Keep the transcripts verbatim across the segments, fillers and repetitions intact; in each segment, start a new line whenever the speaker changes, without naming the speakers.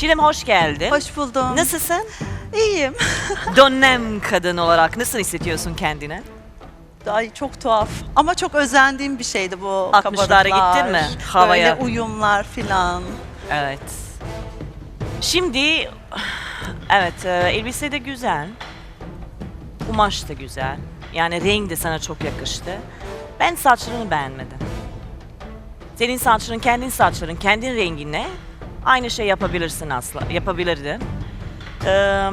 Çiğdem hoş geldin.
Hoş buldum.
Nasılsın?
İyiyim.
Dönem kadın olarak nasıl hissediyorsun kendini?
Ay çok tuhaf. Ama çok özendiğim bir şeydi bu
altmışlara
kabarıklar.
gittin mi? Havaya.
Böyle uyumlar filan.
Evet. Şimdi, evet, e, elbise de güzel. Kumaş da güzel. Yani renk de sana çok yakıştı. Ben saçlarını beğenmedim. Senin saçların, kendin saçların, kendin rengine aynı şey yapabilirsin aslında, yapabilirdin. Ee,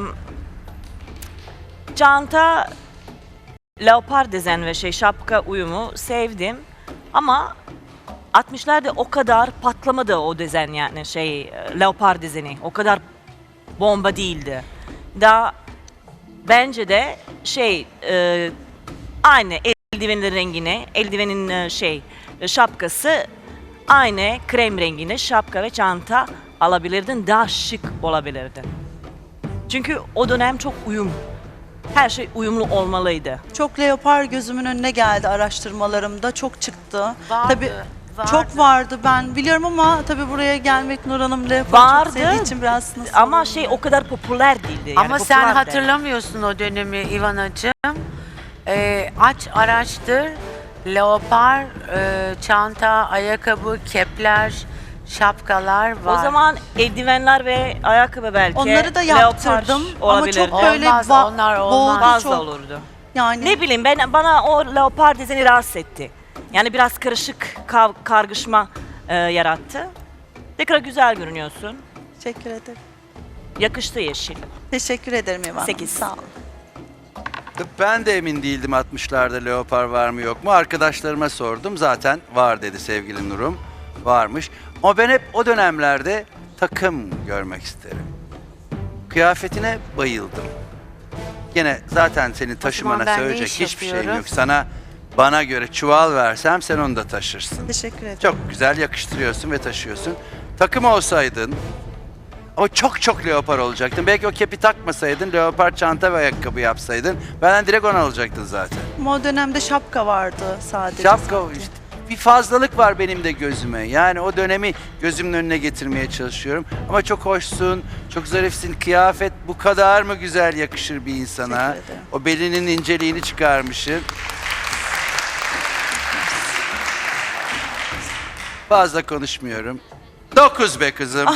çanta, leopar dezen ve şey şapka uyumu sevdim. Ama altmışlarda o kadar patlamadı o dezen, yani şey leopar dezeni. O kadar bomba değildi. Daha bence de şey e, aynı eldivenin rengine, eldivenin e, şey şapkası aynı krem rengine şapka ve çanta alabilirdin, daha şık olabilirdin. Çünkü o dönem çok uyum, her şey uyumlu olmalıydı.
Çok leopar gözümün önüne geldi araştırmalarımda. Çok çıktı.
Vardı,
Tabii
vardı.
çok vardı ben biliyorum ama tabii buraya gelmek Nur Hanım leopar
Vardı
çok sevdiği için biraz nasıl
ama
olur
şey
mu?
o kadar popüler değildi. Yani
Ama sen
popülerdi.
hatırlamıyorsun o dönemi İvanacığım. Ee, aç araştır. Leopar, e, çanta, ayakkabı, kepler, şapkalar var.
O zaman eldivenler ve ayakkabı belki.
Onları da
leopar
yaptırdım ama
olabilirdi.
çok böyle
Olmaz,
ba-
onlar
boğdu
olmaz.
fazla
çok.
olurdu.
Yani
Ne bileyim, ben bana o leopar dizeni rahatsız etti. Yani biraz karışık, kav, kargışma e, yarattı. Tekrar güzel görünüyorsun.
teşekkür ederim.
Yakıştı yeşil.
Teşekkür ederim İvan Hanım.
Sekiz.
Sağ olun.
Ben de emin değildim altmışlarda leopar var mı yok mu. Arkadaşlarıma sordum. Zaten var dedi sevgili Nurum. Varmış. Ama ben hep o dönemlerde takım görmek isterim. Kıyafetine bayıldım. Gene zaten seni taşımana
ben ne
söyleyecek
iş
hiçbir şeyim
yapıyorum?
yok. Sana bana göre çuval versem sen onu da taşırsın.
Teşekkür ederim.
Çok güzel yakıştırıyorsun ve taşıyorsun. Takım olsaydın ama çok çok leopar olacaktın. Belki o kepi takmasaydın, leopar çanta ve ayakkabı yapsaydın benden direkt onu alacaktın zaten.
Ama o dönemde şapka vardı sadece.
Şapka
sanki.
işte bir fazlalık var benim de gözüme. Yani o dönemi gözümün önüne getirmeye çalışıyorum. Ama çok hoşsun, çok zarifsin. Kıyafet bu kadar mı güzel yakışır bir insana?
Teşekkür ederim.
O belinin inceliğini çıkarmışsın. Fazla konuşmuyorum. Dokuz be kızım.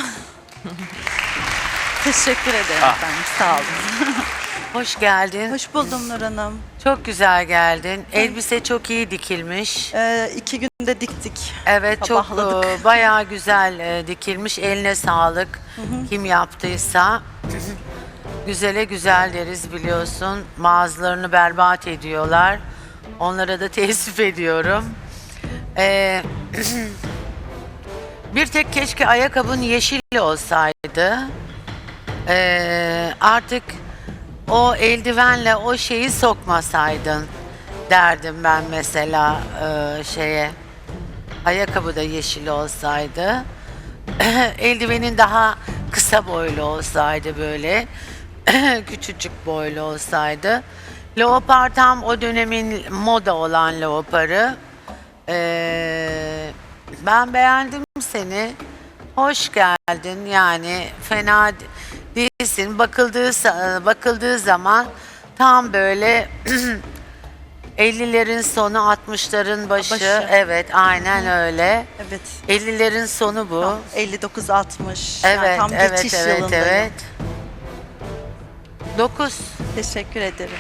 Teşekkür ederim
Ah.
efendim. Sağ olun.
Hoş geldin.
Hoş buldum Nur Hanım.
Çok güzel geldin. Elbise çok iyi dikilmiş.
Ee, iki günde diktik.
Evet, çok
Sabahladık.
e, bayağı güzel e, dikilmiş. Eline sağlık. Kim yaptıysa. Güzele güzel deriz biliyorsun. Mağazalarını berbat ediyorlar. Onlara da teessüf ediyorum. Ee, bir tek keşke ayakkabın yeşil olsaydı. Ee, artık o eldivenle o şeyi sokmasaydın derdim ben mesela e, şeye. Ayakkabı da yeşil olsaydı. Eldivenin daha kısa boylu olsaydı böyle. Küçücük boylu olsaydı. Leopar tam o dönemin moda olan leoparı. Ee, ben beğendim seni. Hoş geldin, yani fena değilsin. Bakıldığı sa- bakıldığı zaman tam böyle ellilerin sonu altmışların başı.
Başı.
Evet, aynen öyle.
Evet.
ellilerin sonu bu.
elli dokuz altmış.
Evet,
Yani tam
evet,
geçiş
evet,
yılındayım.
evet. Dokuz.
Teşekkür ederim.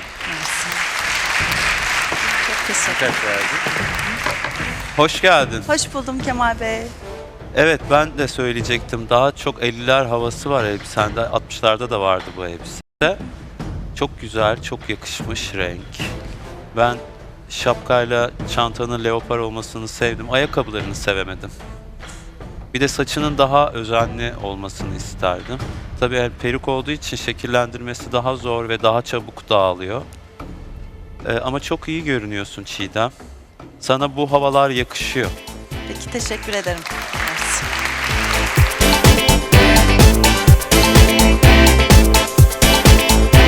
Çok teşekkür ederim.
Hoş geldin.
Hoş buldum Kemal Bey.
Evet, ben de söyleyecektim. Daha çok elliler havası var elbisende. altmışlarda da vardı bu elbise. Çok güzel, çok yakışmış renk. Ben şapkayla çantanın leopar olmasını sevdim. Ayakkabılarını sevemedim. Bir de saçının daha özenli olmasını isterdim. Tabii el peruk olduğu için şekillendirmesi daha zor ve daha çabuk dağılıyor. Ee, ama çok iyi görünüyorsun Çiğdem. Sana bu havalar yakışıyor.
Peki teşekkür ederim.